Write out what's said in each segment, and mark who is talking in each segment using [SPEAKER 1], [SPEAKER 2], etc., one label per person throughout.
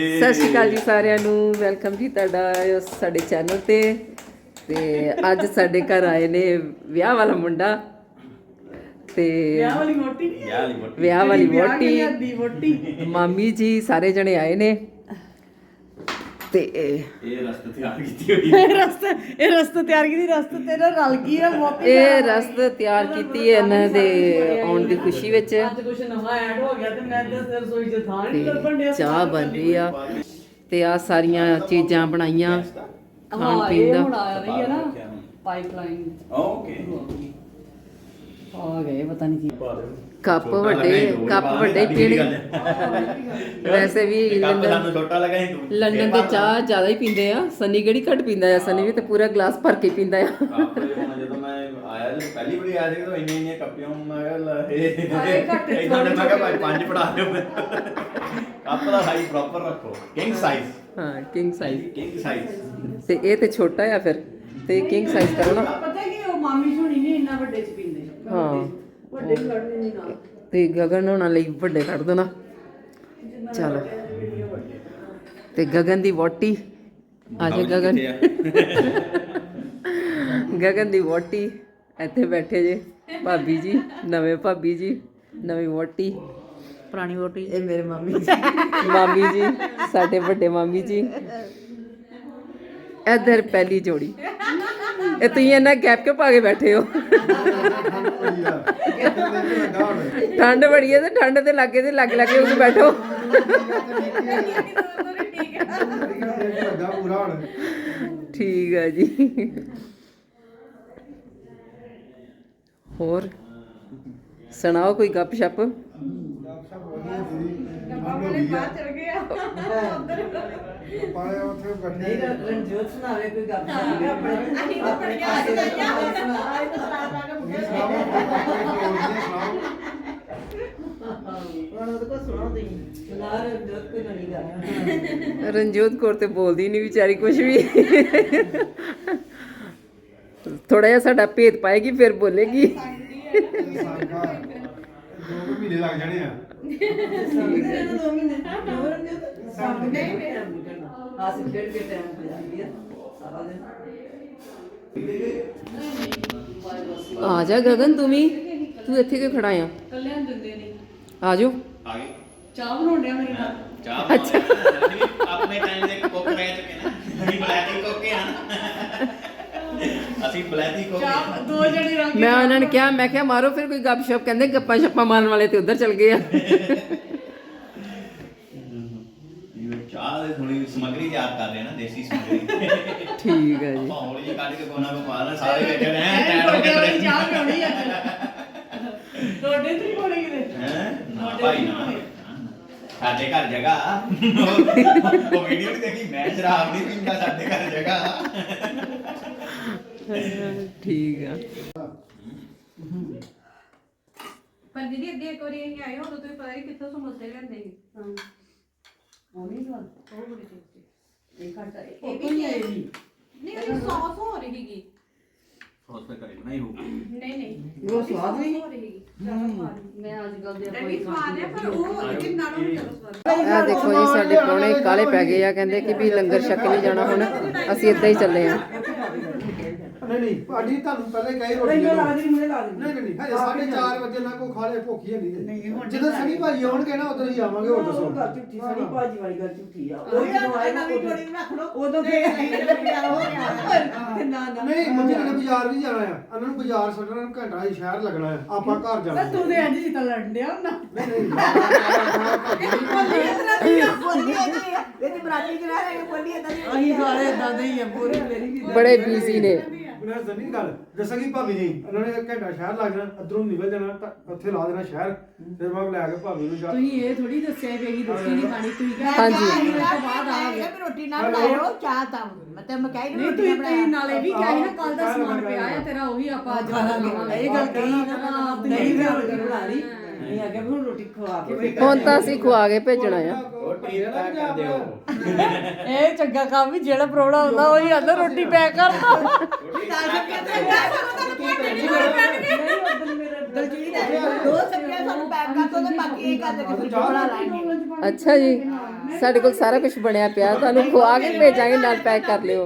[SPEAKER 1] ਸਤਿ ਸ਼੍ਰੀ ਅਕਾਲ ਜੀ ਸਾਰਿਆਂ ਨੂੰ। ਵੈਲਕਮ ਜੀ ਤੁਹਾਡਾ ਸਾਡੇ ਚੈਨਲ ਤੇ ਅੱਜ ਸਾਡੇ ਘਰ ਆਏ ਨੇ ਵਿਆਹ ਵਾਲਾ ਮੁੰਡਾ ਤੇ ਵਿਆਹ ਵਾਲੀ ਵਹੁਟੀ ਮਾਮੀ ਜੀ ਸਾਰੇ ਜਣੇ ਆਏ ਨੇ ਤੇ
[SPEAKER 2] ਇਹ ਰਸਤ ਤਿਆਰ ਕੀਤੀ ਹੋਈ ਹੈ।
[SPEAKER 3] ਰਸਤ ਤਿਆਰ ਕੀਤੀ, ਰਸਤ ਤੇਰਾ ਰਲ ਗਈ ਆ ਮੋਤੀ।
[SPEAKER 1] ਇਹ ਰਸਤ ਤਿਆਰ ਕੀਤੀ ਹੈ ਇਹਨਾਂ ਦੇ ਆਉਣ ਦੀ ਖੁਸ਼ੀ ਵਿੱਚ।
[SPEAKER 3] ਅੱਜ ਕੁਛ ਨਵਾਂ ਐਡ ਹੋ ਗਿਆ ਤੇ ਮੈਂ ਤਾਂ ਰਸੋਈ 'ਚ ਥਾਂ ਨਹੀਂ ਲੱਭਣ ਡਿਆ।
[SPEAKER 1] ਚਾਹ ਬਣ ਰਹੀ ਆ ਤੇ ਆ ਸਾਰੀਆਂ ਚੀਜ਼ਾਂ ਬਣਾਈਆਂ ਖਾਣ ਪੀਣ
[SPEAKER 3] ਹੁਣ
[SPEAKER 1] ਦਾ।
[SPEAKER 3] ਆ ਰਹੀ ਹੈ ਨਾ ਪਾਈਪਲਾਈਨ।
[SPEAKER 2] ਓਕੇ
[SPEAKER 3] ਆ ਗਏ ਪਤਾ ਨਹੀਂ ਕੀ
[SPEAKER 1] ਕੱਪ ਵੱਡੇ ਪੀਣ। ਵੈਸੇ ਵੀ
[SPEAKER 2] ਸਾਨੂੰ ਛੋਟਾ ਲੱਗਾ ਸੀ ਤੂੰ
[SPEAKER 1] ਲੰਡਨ ਦੇ ਚਾਹ ਜ਼ਿਆਦਾ ਹੀ ਪੀਂਦੇ ਆ। ਸਨੀ ਕਿਹੜੀ ਘੱਟ ਪੀਂਦਾ ਆ? ਸਨੀ ਵੀ ਤੇ ਪੂਰਾ ਗਲਾਸ ਭਰ ਕੇ ਪੀਂਦਾ ਆ।
[SPEAKER 2] ਜਦੋਂ ਮੈਂ ਆਇਆ ਜਦੋਂ ਪਹਿਲੀ ਵਾਰੀ ਆਇਆ ਸੀ ਤਾਂ ਇੰਨੇ ਕੱਪੀਆਂ ਮੈਂ ਕਿਹਾ ਇਹਨਾਂ ਨੇ ਮੈਂ ਕਿਹਾ ਭਾਈ 5 ਫੜਾ ਦਿਓ। ਕੱਪ ਦਾ ਸਾਈਜ਼ ਪ੍ਰੋਪਰ ਰੱਖੋ, ਕਿੰਗ ਸਾਈਜ਼।
[SPEAKER 1] ਹਾਂ ਕਿੰਗ ਸਾਈਜ਼
[SPEAKER 2] ਸਾਈਜ਼
[SPEAKER 1] ਤੇ ਇਹ ਤੇ ਛੋਟਾ ਆ ਫਿਰ ਤੇ ਕਿੰਗ ਸਾਈਜ਼ ਕਰੋ ਨਾ।
[SPEAKER 3] ਪਤਾ ਕਿ ਉਹ ਮਾਮੀ ਸੋਣੀ ਨਹੀਂ ਇੰਨਾ ਵੱਡੇ 'ਚ ਪੀਂਦੇ।
[SPEAKER 1] ਹਾਂ
[SPEAKER 3] ਵੱਡੇ ਕੱਢਦੇ ਨਹੀਂ ਨਾਲ।
[SPEAKER 1] ਤੇ ਗਗਨ ਹੋਣਾ ਲਈ ਵੱਡੇ ਕੱਢ ਦੇਣਾ। ਚਲੋ ਤੇ ਗਗਨ ਦੀ ਵੋਟੀ ਆ ਜਾ। ਗਗਨ ਦੀ ਵੋਟੀ ਇੱਥੇ ਬੈਠੇ ਜੇ। ਭਾਬੀ ਜੀ ਨਵੇਂ ਭਾਬੀ ਜੀ ਨਵੀਂ ਵੋਟੀ
[SPEAKER 3] ਪੁਰਾਣੀ ਵੋਟੀ।
[SPEAKER 1] ਇਹ ਮੇਰੇ ਮਾਮੀ ਜੀ ਸਾਡੇ ਵੱਡੇ ਮਾਮੀ ਜੀ। ਇੱਧਰ ਪਹਿਲੀ ਜੋੜੀ। ਇਹ ਤੁਸੀਂ ਇਹਨਾਂ ਗੈਪ ਕਿਉਂ ਪਾ ਕੇ ਬੈਠੇ ਹੋ? ਠੰਡ ਬੜੀ ਹੈ ਤੇ ਠੰਡ ਦੇ ਲਾਗੇ ਲਾਗੇ ਉੱਥੇ ਬੈਠੋ। ਠੀਕ ਹੈ ਜੀ। ਹੋਰ ਸੁਣਾਓ ਕੋਈ ਗੱਪ ਸ਼ਪ।
[SPEAKER 3] ਨਹੀਂ ਰਣਜੋਤ ਸੁਣਾਵੇ ਕੋਈ ਗੱਲ ਆਪਣੇ ਪਾਸੇ ਦਾ
[SPEAKER 1] ਰਣਜੋਤ ਕੌਰ ਤੇ ਬੋਲਦੀ ਨਹੀਂ ਵਿਚਾਰੀ ਕੁਝ ਵੀ। ਥੋੜਾ ਜਿਹਾ ਸਾਡਾ ਭੇਦ ਪਾਏਗੀ ਫਿਰ ਬੋਲੇਗੀ।
[SPEAKER 4] 2 ਮਹੀਨੇ ਲੱਗ ਜਾਣੇ ਆ।
[SPEAKER 1] ਆ ਜਾ ਗਗਨ ਤੂੰ ਇੱਥੇ ਕਿਉਂ ਖੜਾ ਆ?
[SPEAKER 3] ਕੱਲਿਆਂ ਦਿੰਦੇ ਨਹੀਂ।
[SPEAKER 1] ਆ ਜਾਓ।
[SPEAKER 2] ਆ ਗਏ
[SPEAKER 3] ਚਾਹ ਬਣਾਉਣ ਡਿਆ ਮੇਰੇ ਨਾਲ।
[SPEAKER 2] ਚਾਹ ਅੱਛਾ ਆਪਣੇ ਟਾਈਮ ਦੇ ਕੁੱਕ ਰਹਿ ਚੁੱਕੇ ਨਾ। ਅਸੀਂ ਬਲੈਤੀ ਕੁੱਕ ਆ। ਅਸੀਂ ਬਲੈਤੀ ਕੁੱਕ
[SPEAKER 3] ਚਾਹ 2 ਜਣੇ ਰਲ ਕੇ
[SPEAKER 1] ਮੈਂ ਉਹਨਾਂ ਨੇ ਕਿਹਾ, ਮੈਂ ਕਿਹਾ ਮਾਰੋ ਫਿਰ ਕੋਈ ਗੱਪ ਸ਼ਪ। ਕਹਿੰਦੇ ਗੱਪਾਂ ਛੱਪਾਂ ਮਾਰਨ ਵਾਲੇ ਤੇ ਉੱਧਰ ਚਲ ਗਏ ਆ।
[SPEAKER 2] ਚਾਹ ਦੇ ਥੋੜੀ ਸਮਗਰੀ ਤਿਆਰ ਕਰ ਰਹੇ ਨਾ, ਦੇਸੀ ਸਮਗਰੀ।
[SPEAKER 1] ਠੀਕ ਹੈ ਜੀ।
[SPEAKER 2] ਹੌਲੀ ਜਿਹੀ ਕੱਢ ਕੇ ਕੋਨਾ ਕੋ ਪਾ ਲੈ ਸਾਰੇ ਬੈਠੇ ਨੇ
[SPEAKER 3] ਤੁਹਾਡੇ ਵਾਲੀ ਚਾਹ ਪਿਉਣੀ ਅੱਜ। ਤੁਹਾਡੇ ਤੇ ਕੋਲੇ ਕਿਤੇ
[SPEAKER 2] ਨਾ ਭਾਈ ਨਾ ਸਾਡੇ ਘਰ ਜਗ੍ਹਾ। ਉਹ ਵੀਡੀਓ ਵੀ ਦੇਖੀ, ਮੈਂ ਸ਼ਰਾਬ ਨਹੀਂ ਪੀਂਦਾ, ਸਾਡੇ ਘਰ ਜਗ੍ਹਾ।
[SPEAKER 1] ਠੀਕ ਆ।
[SPEAKER 5] ਪਰ ਦੀਦੀ ਅੱਗੇ ਇੱਕ ਵਾਰੀ ਅਸੀਂ ਆਏ ਉਦੋਂ ਤੁਸੀਂ ਪਤਾ ਨਹੀਂ ਕਿੱਥੋਂ ਸਮੋਸੇ ਲਿਆਂਦੇ ਸੀ।
[SPEAKER 3] ਉਹ ਨਹੀਂ ਗੱਲ
[SPEAKER 5] ਉਹ ਬੜੀ ਟੇਸਟੀ।
[SPEAKER 3] ਇਹ ਘਟਾ
[SPEAKER 5] ਇਹ
[SPEAKER 3] ਇਹ ਵੀ ਆਈ
[SPEAKER 5] ਨਹੀਂ ਉਹਦੀ ਸੌਸ ਹੋ ਰਹੀ ਸੀਗੀ।
[SPEAKER 2] ਸੌਸ ਤੇ ਕਰੀ ਬਣਾਈ ਹੋਊਗੀ।
[SPEAKER 5] ਨਹੀਂ
[SPEAKER 3] ਉਹ ਸਵਾਦ ਨਹੀਂ
[SPEAKER 5] ਹੋ ਰਹੀ ਸੀਗੀ। ਜ਼ਿਆਦਾ ਸਵਾਦ ਨਹੀਂ।
[SPEAKER 3] ਮੈਂ ਅੱਜ ਕੱਲ ਦੇ
[SPEAKER 5] ਇਹ ਵੀ ਸਵਾਦ ਹੈ ਪਰ ਉਹ ਕਿੰਨਾ ਨੂੰ ਨਹੀਂ ਜ਼ਿਆਦਾ ਸਵਾਦ।
[SPEAKER 1] ਆ ਦੇਖੋ ਜੀ ਸਾਡੇ ਪ੍ਰਾਹੁਣੇ ਕਾਲੇ ਪੈ ਗਏ ਆ। ਕਹਿੰਦੇ ਕਿ ਵੀ ਲੰਗਰ ਛਕ ਨਹੀਂ ਜਾਣਾ ਹੁਣ, ਅਸੀਂ ਇੱਦਾਂ ਹੀ ਚੱਲੇ ਆ।
[SPEAKER 4] ਨਹੀਂ ਭਾਜੀ ਤੁਹਾਨੂੰ ਪਹਿਲੇ ਕਹੀ ਰੋਟੀ
[SPEAKER 3] ਨਹੀਂ
[SPEAKER 4] ਦੇ
[SPEAKER 3] ਲਾ
[SPEAKER 4] ਦਿਓ।
[SPEAKER 3] ਦੇ ਮੁੰਡੇ ਲਾ ਦੇ।
[SPEAKER 4] ਨਹੀਂ ਹਜੇ 4:30 ਵਜੇ ਨਾ ਕੋ ਖਾ ਲੈ, ਭੁੱਖੀ ਨਹੀਂ ਤੇ ਜਦੋਂ ਸਨੀ ਭਾਜੀ ਆਉਣਗੇ ਨਾ ਉਦੋਂ ਹੀ ਆਵਾਂਗੇ। ਹੋਰ ਦੱਸੋ।
[SPEAKER 3] ਗੱਲ ਝੂਠੀ ਸਣੀ ਭਾਜੀ ਵਾਲੀ ਗੱਲ ਝੂਠੀ ਆ। ਉਹ ਜਦੋਂ ਆਏਗਾ ਉਦੋਂ ਫੇਰ ਨਾ ਨਾ
[SPEAKER 4] ਨਹੀਂ ਮੰਮੀ ਨੇ ਬਾਜ਼ਾਰ ਵੀ ਜਾਣਾ ਆ। ਉਹਨਾਂ ਨੂੰ ਬਾਜ਼ਾਰ ਛੱਡਣਾ ਨੂੰ ਘੰਟਾ ਹੀ ਸ਼ਹਿਰ ਲੱਗਣਾ ਆ। ਆਪਾਂ ਘਰ ਜਾਣਾ।
[SPEAKER 3] ਤੂੰ ਤੇ ਅੱਜ ਜਿੱਤਾ ਲੜਨ ਡਿਆ ਨਾ।
[SPEAKER 4] ਨਹੀਂ
[SPEAKER 3] ਅਸੀਂ ਸਾਰੇ ਇਦਾਂ ਦੇ ਹੀ ਆ ਪੂਰੀ ਮੇਰੀ ਵੀ
[SPEAKER 1] ਬੜੇ ਬਿਜ਼ੀ ਨੇ।
[SPEAKER 4] ਉਹਨਾਂ ਜ਼ਮੀਨ ਗੱਲ ਦੱਸਾਂਗੀ ਭਾਬੀ ਜੀ। ਉਹਨਾਂ ਨੇ ਘੰਟਾ ਸ਼ਹਿਰ ਲੱਗ ਜਾਣਾ, ਅਧਰੋਂ ਨਿਕਲ ਜਾਣਾ ਤਾਂ ਉੱਥੇ ਲਾ ਦੇਣਾ ਸ਼ਹਿਰ। ਫਿਰ ਮੈਂ ਲੈ ਕੇ ਭਾਬੀ ਨੂੰ ਜਾ।
[SPEAKER 3] ਤੁਸੀਂ ਇਹ ਥੋੜੀ ਦੱਸਿਆ ਕਿ ਅਸੀਂ ਰੋਟੀ ਨਹੀਂ ਖਾਣੀ। ਤੁਸੀਂ ਕਿਹਾ
[SPEAKER 1] ਹਾਂਜੀ।
[SPEAKER 3] ਬਾਅਦ ਆ ਗਏ।
[SPEAKER 6] ਰੋਟੀ ਨਾ ਬਣਾਇਓ ਚਾਹ ਤਾਂ ਮਤਲਬ ਮੈਂ ਕਹਿ
[SPEAKER 3] ਨਹੀਂ ਤੁਸੀਂ ਨਾਲੇ ਵੀ ਕਿਹਾ ਸੀ ਨਾ ਕੱਲ ਦਾ ਸਮਾਨ ਪਿਆ ਆ ਤੇਰਾ ਉਹੀ ਆਪਾਂ ਅੱਜ
[SPEAKER 6] ਇਹ ਗੱਲ ਕਹੀ ਨਾ
[SPEAKER 3] ਨਹੀਂ ਵੀ ਰੋਟੀ ਬਣਾ ਲਈ। ਨਹੀਂ ਆ ਗਿਆ ਵੀ ਹੁਣ ਰੋਟੀ ਖਵਾ ਕੇ
[SPEAKER 1] ਹੁਣ ਤਾਂ ਅਸੀਂ ਖਵਾ ਕੇ ਭੇਜਣਾ ਆ।
[SPEAKER 2] ਰੋਟੀ ਪੈਕ ਕਰ ਦਿਓ।
[SPEAKER 3] ਇਹ ਚੰਗਾ ਕੰਮ ਵੀ ਜਿਹੜਾ ਪ੍ਰੋਣਾ ਹੁੰਦਾ ਉਹੀ ਆਂਦਾ ਰੋਟੀ ਪੈਕ ਕਰਦਾ।
[SPEAKER 2] ਰੋਟੀ ਪੈਕ ਕਰ ਦਿਓ।
[SPEAKER 3] ਨਹੀਂ ਉਦੋਂ ਮੇਰੇ
[SPEAKER 6] ਦਲਜੀਤ ਦੋ ਸਬਜ਼ੀਆਂ ਸਾਨੂੰ ਪੈਕ ਕਰ ਦੋ ਤੇ ਬਾਕੀ ਇਹ ਕਰ ਦੇ ਕੇ ਬਣਾ ਲਾਂਗੇ।
[SPEAKER 1] ਅੱਛਾ ਜੀ, ਸਾਡੇ ਕੋਲ ਸਾਰਾ ਕੁਝ ਬਣਿਆ ਪਿਆ, ਤੁਹਾਨੂੰ ਖਵਾ ਕੇ ਭੇਜਾਂਗੇ, ਨਾਲ ਪੈਕ ਕਰ ਲਿਓ।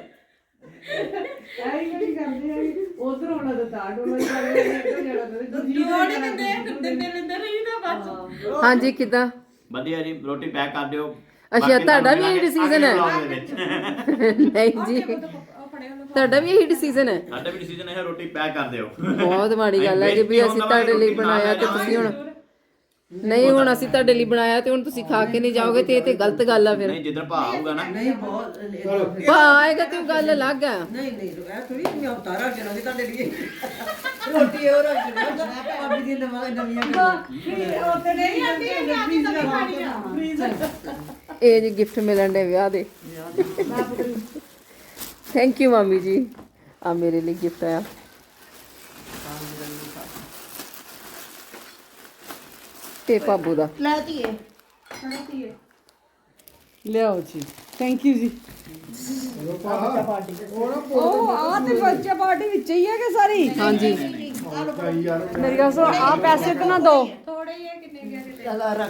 [SPEAKER 3] ਐਂ ਹੀ ਕਰਦੇ ਆ ਉਧਰ ਹੋਣਾ ਤਾਂ ਤਾਂ ਡੋਲਾ ਕਰਦੇ ਇੱਧਰ ਜਾਣਾ ਤਾਂ
[SPEAKER 5] ਜੋੜੀ ਦਿੰਦੇ ਲੈਂਦੇ ਰਹੀ ਤਾਂ ਬਸ।
[SPEAKER 1] ਹਾਂਜੀ, ਕਿਦਾਂ?
[SPEAKER 2] ਵਧੀਆ ਜੀ, ਰੋਟੀ ਪੈਕ ਕਰ ਦਿਓ।
[SPEAKER 1] ਅੱਛਾ,
[SPEAKER 2] ਬਾਕੀ
[SPEAKER 1] ਤੁਹਾਡਾ
[SPEAKER 2] ਤੁਹਾਨੂੰ
[SPEAKER 1] ਵੀ ਇਹੀ decision ਹੈ?
[SPEAKER 2] ਅਗਲੇ vlog ਦੇ ਵਿੱਚ।
[SPEAKER 1] ਨਹੀਂ ਜੀ, ਤੁਹਾਡਾ ਵੀ ਇਹੀ ਡਿਸੀਜਨ ਹੈ?
[SPEAKER 2] ਸਾਡਾ ਵੀ ਡਿਸੀਜਨ ਹੈ, ਰੋਟੀ ਪੈਕ ਕਰ ਦਿਓ।
[SPEAKER 1] ਬਹੁਤ ਮਾੜੀ ਗੱਲ ਹੈ ਜੀ ਵੀ ਅਸੀਂ ਤੁਹਾਡੇ ਲਈ ਬਣਾਇਆ ਤੇ ਤੁਸੀਂ ਹੁਣ ਨਹੀਂ, ਹੁਣ ਅਸੀਂ ਤੁਹਾਡੇ ਲਈ ਬਣਾਇਆ ਤੇ ਹੁਣ ਤੁਸੀਂ ਖਾ ਕੇ ਨਹੀਂ ਜਾਓਗੇ ਤੇ ਇਹ ਤੇ ਗਲਤ ਗੱਲ ਆ ਫਿਰ।
[SPEAKER 2] ਨਹੀਂ, ਜਿੱਦਣ ਭਾ ਆਊਗਾ ਨਾ,
[SPEAKER 6] ਨਹੀਂ ਬਹੁਤ
[SPEAKER 1] ਭਾ ਆਏਗਾ ਤੇ ਉਹ ਗੱਲ ਅਲੱਗ ਆ।
[SPEAKER 6] ਨਹੀਂ ਇਹ ਥੋੜੀ ਮੈਂ ਉਤਾਰਾ ਜਣਾ ਵੀ ਤੁਹਾਡੇ ਲਈ ਰੋਟੀ ਹੋਰ ਜਣਾ ਭਾਬੀ ਦੀ ਨਵੀਆਂ ਗੱਲਾਂ
[SPEAKER 3] ਉੱਥੇ ਨਹੀਂ ਆਂਟੀ ਫ੍ਰੀਜ਼ਰ ਖਾਣੀ ਆ ਫ੍ਰੀਜ਼ਰ।
[SPEAKER 1] ਇਹ ਜੀ ਗਿਫਟ ਮਿਲਣ ਦੇ ਵਿਆਹ ਦੇ। ਥੈਂਕ ਯੂ ਮਾਮੀ ਜੀ, ਆ ਮੇਰੇ ਲਈ ਗਿਫਟ ਆਇਆ। ਤੇ ਪਾਬੂ ਦਾ
[SPEAKER 6] ਲੈ ਧੀਏ
[SPEAKER 3] ਲਿਆਓ ਜੀ, ਥੈਂਕ ਯੂ ਜੀ। ਉਹ ਆ ਤੇ ਬੱਚਾ ਪਾਰਟੀ ਵਿੱਚ ਹੀ ਹੈ ਕਿ ਸਾਰੀ?
[SPEAKER 1] ਹਾਂਜੀ,
[SPEAKER 3] ਮੇਰੀ ਗੱਲ ਸੁਣ, ਆ ਪੈਸੇ ਤੇ ਨਾ ਦੋ।
[SPEAKER 5] ਥੋੜੇ ਹੀ ਹੈ, ਕਿੰਨੇ ਗਿਆ ਕਿਤੇ
[SPEAKER 6] ਚਲਾ ਰੱਖ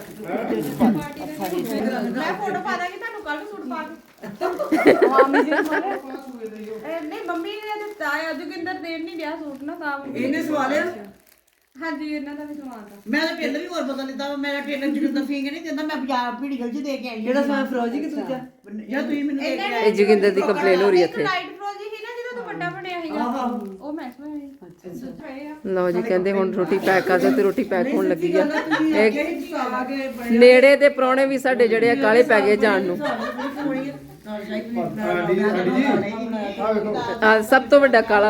[SPEAKER 5] ਮੈਂ ਫੋਟੋ ਪਾ ਦਾਂਗੀ ਤੁਹਾਨੂੰ ਕੱਲ ਸੂਟ ਪਾ ਕੇ।
[SPEAKER 3] ਮਾਮੀ ਜੀ ਨੂੰ
[SPEAKER 5] ਨਹੀਂ ਮੰਮੀ ਨੇ ਦਿੱਤਾ ਆ, ਜੋਗਿੰਦਰ ਦੇਣ ਨਹੀਂ ਡਿਆ ਸੂਟ ਨਾ ਤਾਂ
[SPEAKER 6] ਇਹਨੇ ਸਵਾਲਿਆ
[SPEAKER 5] ਹਾਂਜੀ ਇਹਨਾਂ ਦਾ ਵੀ ਸਮਾਨਤਾ।
[SPEAKER 6] ਮੈਂ ਤਾਂ ਟੇਲਰ ਵੀ ਹੋਰ ਪਤਾ ਲਿੱਤਾ ਵਾ, ਮੇਰਾ ਟੇਲਰ ਜਿਹੜਾ ਫੀਂਗ ਨਹੀਂ ਦਿੰਦਾ, ਮੈਂ ਬਾਜ਼ਾਰ ਭੀੜੀ ਗਲ ਚ ਦੇ ਕੇ ਆਈ ਜਿਹੜਾ ਸਮਾਂ ਫਰੋਜੀ ਕਿ ਦੂਜਾ ਜਾਂ ਤੁਸੀਂ ਮੈਨੂੰ ਦੇ ਕੇ
[SPEAKER 1] ਇਹ ਜੋਗਿੰਦਰ ਦੀ ਕੰਪਲੇਨ ਹੋ ਰਹੀ ਹੈ
[SPEAKER 5] ਇੱਕ
[SPEAKER 1] ਇੱਥੇ।
[SPEAKER 5] ਲਾਈਟ ਫਰੋਜੀ ਸੀ ਨਾ ਜਦੋਂ ਤੂੰ ਵੱਡਾ ਬਣਿਆ ਸੀਗਾ, ਉਹ ਮੈਂ ਸਮਝ ਅੱਛਾ।
[SPEAKER 1] ਲਓ ਜੀ, ਕਹਿੰਦੇ ਹੁਣ ਰੋਟੀ ਪੈਕ ਕਰ ਦਿਓ ਤੇ ਰੋਟੀ ਪੈਕ ਹੋਣ ਲੱਗੀ ਆ। ਇਹ
[SPEAKER 6] ਆ ਕੇ
[SPEAKER 1] ਨੇੜੇ ਦੇ ਪ੍ਰਾਹੁਣੇ ਵੀ ਸਾਡੇ ਜਿਹੜੇ ਆ ਕਾਲੇ ਪੈ ਗਏ ਜਾਣ ਨੂੰ।
[SPEAKER 4] ਆਂਟੀ ਜੀ ਆ ਵੇਖੋ
[SPEAKER 1] ਆ ਸਭ ਤੋਂ ਵੱਡਾ ਕਾਲਾ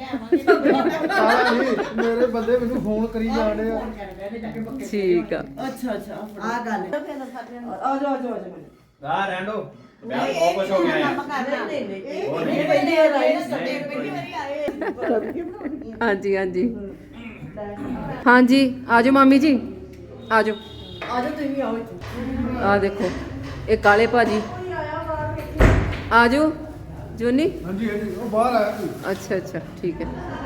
[SPEAKER 4] ਮੇਰੇ ਬੰਦੇ ਮੈਨੂੰ ਫੋਨ ਕਰੀ ਜਾਂਦੇ ਆ।
[SPEAKER 1] ਠੀਕ ਆ।
[SPEAKER 6] ਅੱਛਾ ਆ ਗੱਲ ਆ ਜਾ
[SPEAKER 2] ਆ ਰੈਂਡੋ ਵਿਆਹ ਬਹੁਤ ਕੁਝ ਹੋ ਗਿਆ ਯਾਰ।
[SPEAKER 6] ਨਹੀਂ ਪਹਿਲੇ ਆਏ ਸੱਤੇ ਪਹਿਲੀ ਵਾਰੀ ਆਏ
[SPEAKER 1] ਹਾਂਜੀ ਹਾਂਜੀ ਹਾਂਜੀ, ਆਜੋ ਮਾਮੀ ਜੀ, ਆਜੋ
[SPEAKER 6] ਆ ਜਾ ਤੁਸੀਂ ਆਓ ਇੱਥੇ
[SPEAKER 1] ਆ ਦੇਖੋ, ਇਹ ਕਾਲੇ ਭਾਜੀ। ਆਜੋ ਜੋਨੀ।
[SPEAKER 4] ਹਾਂਜੀ ਹਾਂਜੀ, ਉਹ ਬਾਹਰ ਆਇਆ ਕੋਈ।
[SPEAKER 1] ਅੱਛਾ ਅੱਛਾ, ਠੀਕ ਹੈ।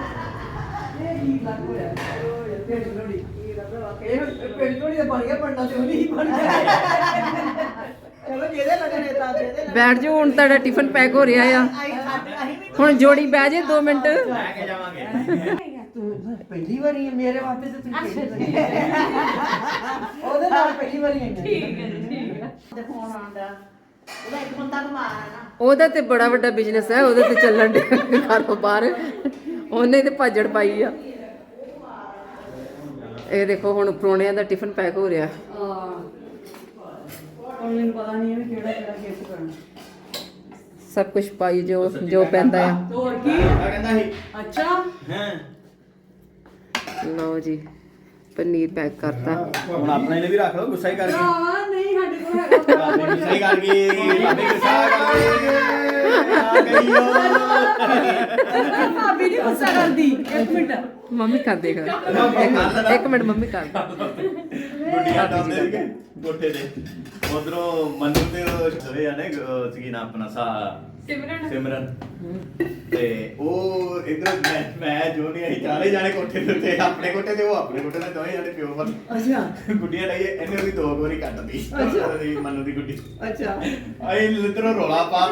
[SPEAKER 6] ਪਿੰਡ ਥੋੜੀ ਦਾ ਬਣ ਗਿਆ, ਬਣਨਾ ਤੇ ਉਹ ਨਹੀਂ ਬਣ ਗਿਆ। ਚਲੋ ਜਿਹਦੇ ਲੱਗਣੇ ਤਾਂ ਜਿਹਦੇ
[SPEAKER 1] ਬੈਠ ਜਾਓ, ਹੁਣ ਤੁਹਾਡਾ ਟਿਫਨ ਪੈਕ ਹੋ ਰਿਹਾ ਆ। ਹੁਣ ਜੋੜੀ ਬਹਿ ਜੇ 2 ਮਿੰਟ।
[SPEAKER 2] ਲੈ ਕੇ ਜਾਵਾਂਗੇ।
[SPEAKER 6] ਤੂੰ ਪਹਿਲੀ ਵਾਰੀ ਹੈ ਮੇਰੇ ਵਾਸਤੇ ਤੇ ਤੂੰ ਉਹਦੇ ਨਾਲ ਪਹਿਲੀ ਵਾਰੀ ਆਈ ਠੀਕ ਹੈ ਤੇ ਫੋਨ ਆਉਂਦਾ ਉਹਦਾ ਇੱਕ ਬੰਦਾ ਕਮਾਣਾ ਨਾ
[SPEAKER 1] ਉਹਦਾ ਤੇ ਬੜਾ ਵੱਡਾ ਬਿਜ਼ਨਸ ਹੈ, ਉਹਦੇ ਤੇ ਚੱਲਣ ਦੇ ਘਰੋਂ ਬਾਹਰ। ਉਹਨੇ ਤੇ ਭਾਜੜ ਪਾਈ ਆ। ਇਹ ਦੇਖੋ, ਹੁਣ ਪ੍ਰਾਹੁਣਿਆਂ ਦਾ ਟਿਫਨ ਪੈਕ ਹੋ ਰਿਹਾ।
[SPEAKER 3] ਹੁਣ ਮੈਨੂੰ ਪਤਾ ਨਹੀਂ ਹੈ ਵੀ ਕਿਹੜਾ ਗਿਫਟ ਕਰਨਾ।
[SPEAKER 1] ਸਭ ਕੁਝ ਪਾਈ ਜੋ ਜੋ ਪੈਂਦਾ ਆ।
[SPEAKER 3] ਹੋਰ ਕੀ?
[SPEAKER 2] ਆ ਕਹਿੰਦਾ ਸੀ
[SPEAKER 3] ਅੱਛਾ
[SPEAKER 2] ਹਾਂ,
[SPEAKER 1] ਲਓ ਜੀ, ਪਨੀਰ ਪੈਕ ਕਰਤਾ।
[SPEAKER 2] ਹੁਣ ਆਪਣੇ ਲਈ ਵੀ ਰੱਖ ਲਓ, ਗੁੱਸਾ ਹੀ ਕਰ ਗਈ।
[SPEAKER 3] ਭਰਾਵਾ ਨਹੀਂ ਸਾਡੇ ਕੋਲ ਹੈਗਾ।
[SPEAKER 2] ਭਾਬੀ ਗੁੱਸਾ ਹੀ ਕਰ ਗਈ, ਭਾਬੀ ਗੁੱਸਾ ਕਰ ਗਈ। ਆ ਗਈ ਓ।
[SPEAKER 3] ਭਾਬੀ ਨਹੀਂ ਗੁੱਸਾ ਕਰਦੀ। ਇੱਕ ਮਿੰਟ
[SPEAKER 1] ਮੰਮੀ ਕਰ ਦੇਗਾ। ਇੱਕ ਮਿੰਟ ਮੰਮੀ ਕਰ ਦੇ।
[SPEAKER 2] ਗੁੱਡੀਆਂ ਡਾਉਂਦੇ ਸੀਗੇ ਕੋਠੇ ਤੇ, ਉਧਰੋਂ ਮੰਨੂ ਤੇ ਉਹ ਸਵੇ ਆ ਨੇ ਕੀ ਨਾ ਆਪਣਾ ਸਿਮਰਨ ਤੇ ਉਹ ਇਧਰ ਮੈਂ ਜੋ ਨਹੀਂ ਅਸੀਂ ਚਾਰੇ ਜਾਣੇ ਕੋਠੇ ਦੇ ਉੱਤੇ, ਆਪਣੇ ਕੋਠੇ ਤੇ ਉਹ ਆਪਣੇ ਕੋਠੇ ਤੇ, ਦੋਵੇਂ ਜਾਣੇ ਪਿਓ ਪਰ
[SPEAKER 6] ਅੱਛਾ
[SPEAKER 2] ਗੁੱਡੀਆਂ ਡਾਈਏ। ਇਹਨੇ ਉਹਦੀ 2 ਵਾਰੀ ਕੱਟਦੀ ਮੰਨੂ ਦੀ ਗੁੱਡੀ।
[SPEAKER 6] ਅੱਛਾ
[SPEAKER 2] ਆਏ ਲਿੱਤਰੋਂ ਰੋਲਾ ਪਾ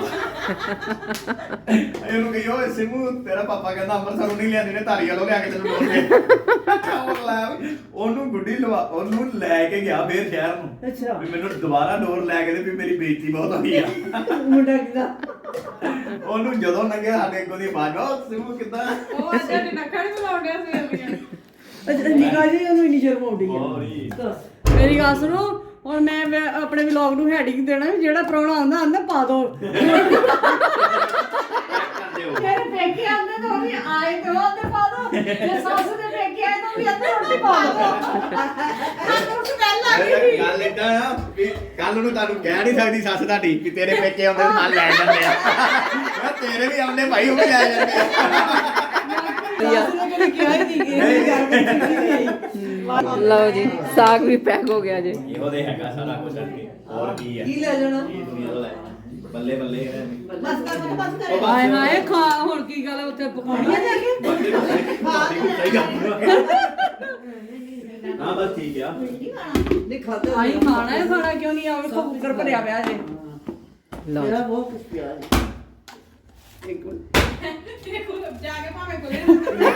[SPEAKER 2] ਇਹਨੂੰ ਕਹੀ ਓਏ ਸਿਮੂ, ਤੇਰਾ ਪਾਪਾ ਕਹਿੰਦਾ ਅੰਮ੍ਰਿਤਸਰੋਂ ਨਹੀਂ ਲਿਆਂਦੇ ਨੇ, ਧਾਰੀ ਵਾਲੋਂ ਲਿਆ ਕੇ ਤੈਨੂੰ ਡੋਲ ਕੇ ਉਹਨੂੰ ਗੁੱਡੀ ਲਵਾ, ਉਹਨੂੰ ਲੈ ਕੇ ਗਿਆ ਫੇਰ ਸ਼ਹਿਰ ਨੂੰ।
[SPEAKER 6] ਅੱਛਾ
[SPEAKER 2] ਵੀ ਮੈਨੂੰ ਦੁਬਾਰਾ ਡੋਰ ਲੈ ਕੇ ਦੇ, ਵੀ ਮੇਰੀ ਬੇਇੱਜ਼ਤੀ ਬਹੁਤ ਹੋਈ ਆ।
[SPEAKER 6] ਮੁੰਡਾ ਕਿਦਾ
[SPEAKER 2] ਉਹਨੂੰ ਜਦੋਂ ਲੰਘਿਆ ਸਾਡੇ ਅੱਗੋਂ ਦੀ ਆਵਾਜ਼, ਉਹ ਸਿਮੂ ਕਿੱਦਾਂ?
[SPEAKER 5] ਉਹ ਅੱਜ ਦੇ ਨੱਖਾਂ ਨੂੰ ਲਾਉਂਦਿਆ ਸੀ।
[SPEAKER 6] ਅੱਛਾ ਨਿਕਾ ਜੀ ਉਹਨੂੰ ਇੰਨੀ ਸ਼ਰਮ ਆਉਂਦੀ
[SPEAKER 2] ਹੋਰੀ
[SPEAKER 6] ਦੱਸ
[SPEAKER 3] ਮੇਰੀ ਗੱਲ ਸੁਣੋ, ਹੁਣ ਮੈਂ ਆਪਣੇ ਵਲੌਗ ਨੂੰ ਹੈਡਿੰਗ ਦੇਣਾ ਵੀ ਜਿਹੜਾ ਪ੍ਰਾਹੁਣਾ ਆਉਂਦਾ ਆਂਦਾ ਪਾ ਦੋ। ਤੇਰੇ ਪੇਕੇ ਆਉਂਦੇ ਤਾਂ ਉਹ ਵੀ ਆਏ ਤੇ ਉਹ ਤੇ ਪਾ ਦੋ, ਜੇ ਸੱਸ ਦੇ ਪੇਕੇ ਆਏ ਤਾਂ ਉਹ ਵੀ ਅੰਦਰ ਰੋਟੀ ਪਾ ਦੋ।
[SPEAKER 5] ਤੁਹਾਨੂੰ ਸਮੈਲ ਆ ਗਈ।
[SPEAKER 2] ਗੱਲ ਏਦਾਂ ਆ ਵੀ ਕੱਲ ਨੂੰ ਤੁਹਾਨੂੰ ਕਹਿ ਨਹੀਂ ਸਕਦੀ ਸੱਸ ਤੁਹਾਡੀ ਕਿ ਤੇਰੇ ਪੇਕੇ ਆਉਂਦੇ ਤੇ ਨਾਲ ਲੈ ਜਾਂਦੇ ਆ। ਮੈਂ ਤੇਰੇ ਵੀ ਆਉਂਦੇ ਭਾਈ, ਉਹ ਵੀ ਲੈ ਜਾਂਦੇ ਆ।
[SPEAKER 6] ਸੱਸ ਨੇ ਕਦੇ ਕਿਹਾ ਹੀ ਨਹੀਂ ਇਹ ਗੱਲ ਕੀਤੀ।
[SPEAKER 1] ਲਓ ਜੀ, ਸਾਗ ਵੀ ਪੈਕ ਹੋ ਗਿਆ ਜੀ।
[SPEAKER 2] ਇਹੋ ਦੇ ਹੈਗਾ ਸਾਰਾ ਕੁਝ ਅੱਗੇ, ਹੋਰ ਕੀ ਆ?
[SPEAKER 6] ਕੀ ਲੈ ਜਾਣਾ
[SPEAKER 2] ਇਹ ਤੂੰ ਇਹੋ ਲੈ ਬੱਲੇ ਬੱਲੇ
[SPEAKER 6] ਬਸ ਕਰ ਬਸ ਕਰ
[SPEAKER 3] ਹਾਏ ਹਾਏ ਖਾ ਹੁਣ ਕੀ ਗੱਲ ਉੱਥੇ ਪਕਾਉਣੀ ਆ ਜਾ ਕੇ।
[SPEAKER 2] ਸਹੀ ਗੱਲ ਹਾਂ ਬਸ ਠੀਕ ਆ
[SPEAKER 6] ਨਹੀਂ ਖਾਦਾ
[SPEAKER 3] ਆਈ ਖਾਣਾ ਹੈ, ਖਾਣਾ ਕਿਉਂ ਨਹੀਂ? ਆ ਵੇਖੋ ਕੁੱਕਰ ਭਰਿਆ ਪਿਆ ਜੇ।
[SPEAKER 1] ਲਓ
[SPEAKER 6] ਮੇਰਾ
[SPEAKER 1] ਜੀ।
[SPEAKER 6] ਬਹੁਤ ਕੁਝ ਪਿਆ ਹੈ ਇੱਕ ਮਿੰਟ
[SPEAKER 5] ਦੇਖੋ ਜਾ ਕੇ ਭਾਵੇਂ ਕੋਲੇ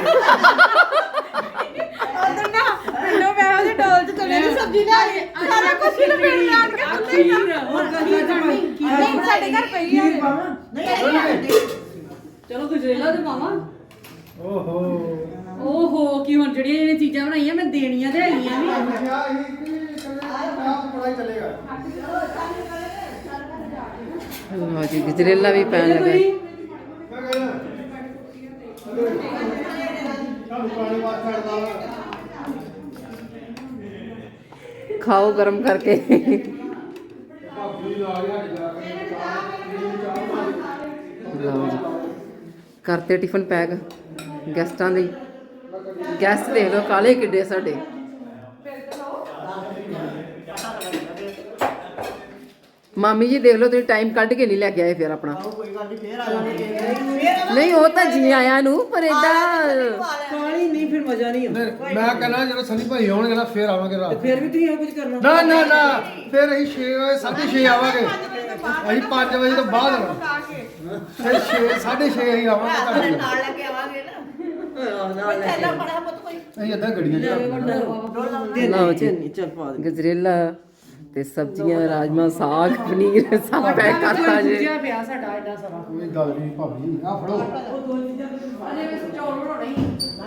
[SPEAKER 3] ਉਧਰ ਨਾ ਪਿੰਡੋਂ ਮੈਂ ਉਹਦੇ ਡੋਲ ਚ ਚਲੇ ਦੀ ਸਬਜ਼ੀ ਲੈ ਆਈ। ਸਾਰਾ ਕੁਝ ਹੀ ਲਪੇਟ ਲਿਆ ਕੇ ਥੱਲੇ ਹੀ ਆ। ਨਹੀਂ ਸਾਡੇ ਘਰ ਪਈ ਆ।
[SPEAKER 6] ਨਹੀਂ
[SPEAKER 3] ਚਲੋ ਗੁਜਰੇਲਾ ਤੇ ਮਾਵਾ।
[SPEAKER 4] ਓਹੋ
[SPEAKER 3] ਓਹੋ ਕੀ ਹੁਣ ਜਿਹੜੀਆਂ ਚੀਜ਼ਾਂ ਬਣਾਈਆਂ ਮੈਂ ਦੇਣੀਆਂ ਤੇ ਹੈਗੀਆਂ ਵੀ।
[SPEAKER 4] ਕਿਹਾ ਇਹ ਕਿ ਪੜਾਈ ਚੱਲੇਗਾ।
[SPEAKER 1] ਲਓ ਜੀ ਗਜਰੇਲਾ ਵੀ ਪੈਣ ਲੱਗਾ।
[SPEAKER 4] ਮੈਂ ਕਹਿੰਦਾ ਤੁਹਾਨੂੰ ਪਾਣੀ ਵਾਰ ਛੱਡਦਾ
[SPEAKER 1] ਖਾਓ ਗਰਮ ਕਰਕੇ।
[SPEAKER 4] ਭਾਬੀ ਨਾਲ ਹੀ ਹਟ ਜਾ
[SPEAKER 1] ਲਓ ਜੀ ਕਰਤੇ ਟਿਫਨ ਪੈਕ ਗੈਸਟਾਂ ਲਈ। ਗੈਸਟ ਦੇਖ ਲਓ ਕਾਲੇ ਕਿੱਡੇ ਸਾਡੇ। ਮਾਮੀ ਜੀ ਦੇਖ ਲਓ ਤੁਸੀਂ ਟਾਈਮ ਕੱਢ ਕੇ ਨਹੀਂ ਲੈ ਕੇ ਆਏ ਫਿਰ ਆਪਣਾ।
[SPEAKER 6] ਕੋਈ ਗੱਲ ਨਹੀਂ ਫੇਰ ਆ ਜਾਵਾਂਗੇ
[SPEAKER 1] ਨਹੀਂ ਉਹ ਤਾਂ ਜੀ ਆਇਆਂ ਨੂੰ ਪਰ ਏਦਾਂ
[SPEAKER 6] ਕਾਲੀ ਨਹੀਂ ਫਿਰ ਮਜ਼ਾ ਨਹੀਂ ਆਉਂਦਾ
[SPEAKER 4] ਮੈਂ ਕਹਿੰਦਾ ਜਦੋਂ ਸਨੀ ਭਾਈ ਆਉਣਗੇ ਨਾ ਫੇਰ ਆਵਾਂਗੇ ਰਾਤ
[SPEAKER 6] ਫਿਰ ਵੀ ਤੁਸੀਂ ਇਹ ਕੁਝ ਕਰਨਾ
[SPEAKER 4] ਨਾ ਨਾ ਨਾ ਫਿਰ ਅਸੀਂ 6 ਵਜੇ 6:30 ਆਵਾਂਗੇ ਅਸੀਂ 5 ਵਜੇ ਤੋਂ ਬਾਅਦ ਆਉਣਾ ਫਿਰ 6:30 ਅਸੀਂ ਆਵਾਂਗੇ ਤੁਹਾਡੇ ਕੋਲ।
[SPEAKER 6] ਨਾਲ ਲੈ ਕੇ ਆਵਾਂਗੇ ਨਾ ਨਾਲ ਲੈ ਕੇ ਪੜਾ ਪੁੱਤ ਕੋਈ
[SPEAKER 4] ਅਸੀਂ ਅੱਧਾ ਗੱਡੀਆਂ ਚ
[SPEAKER 1] ਲਓ ਜੀ
[SPEAKER 6] ਚੱਲ ਪਾ ਦੇ
[SPEAKER 1] ਗਜਰੇਲਾ ਤੇ ਸਬਜ਼ੀਆਂ ਰਾਜਮਾ ਸਾਗ ਪਨੀਰ ਸਭ ਪੈਕ ਕਰਤਾ ਜੇ।
[SPEAKER 3] ਪਿਆ ਸਾਡਾ ਐਡਾ ਸਾਰਾ।
[SPEAKER 4] ਕੋਈ ਗੱਲ ਨਹੀਂ ਭਾਬੀ ਆ ਫੜੋ
[SPEAKER 3] ਅਜੇ ਮੈਂ ਚੌਲ ਬਣਾਉਣੇ ਸੀ।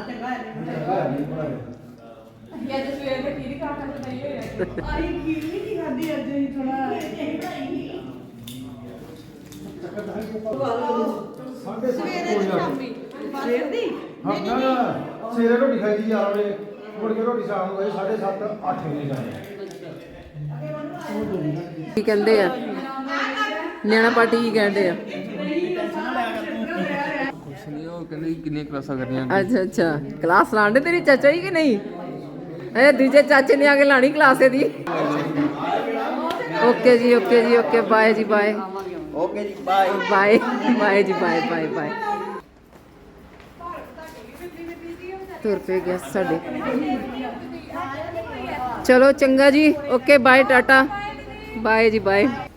[SPEAKER 5] ਅੱਜ ਸਵੇਰ ਦੇ ਕੀ ਖਾ ਕੇ ਨਹੀਂ ਹੋਇਆ
[SPEAKER 3] ਆਈ ਖੀਰ ਵੀ ਨਹੀਂ ਖਾਦੀ ਅੱਜ ਹੀ ਥੋੜਾ।
[SPEAKER 6] ਸਵੇਰ ਦੀ
[SPEAKER 4] ਹਾਂ ਨਾ ਸਵੇਰੇ ਰੋਟੀ ਖਾਈ ਦੀ ਯਾਰ ਵੇ ਮੁੜ ਕੇ ਰੋਟੀ ਸ਼ਾਮ ਨੂੰ ਗਏ 7:30 8 ਵਜੇ ਜਾਣੇ
[SPEAKER 1] ਕੀ ਕਹਿੰਦੇ ਆ ਨਿਆਣਾ ਪਾਰਟੀ ਕੀ ਕਹਿੰਦੇ ਆ?
[SPEAKER 7] ਕੁਛ ਨਹੀਂ ਉਹ ਕਹਿੰਦੇ ਕਿੰਨੀਆਂ ਕਲਾਸਾਂ ਕਰਨੀਆਂ
[SPEAKER 1] ਅੱਛਾ ਅੱਛਾ ਕਲਾਸ ਲਾਉਂਦੇ ਤੇਰੀ ਚਾਚਾ ਹੀ ਕਿ ਨਹੀਂ? ਇਹ ਦੂਜੇ ਚਾਚੇ ਨੇ ਆ ਕੇ ਲਾਣੀ ਕਲਾਸ ਇਹਦੀ। ਓਕੇ ਜੀ ਓਕੇ ਜੀ ਓਕੇ ਬਾਏ ਜੀ ਬਾਏ
[SPEAKER 2] ਓਕੇ ਜੀ ਬਾਏ
[SPEAKER 1] ਬਾਏ ਬਾਏ ਜੀ ਬਾਏ ਬਾਏ ਬਾਏ। ਤੁਰ ਪਏ ਗਿਆ ਸਾਡੇ। ਚਲੋ ਚੰਗਾ ਜੀ ਓਕੇ ਬਾਏ ਟਾਟਾ ਬਾਏ ਜੀ ਬਾਏ।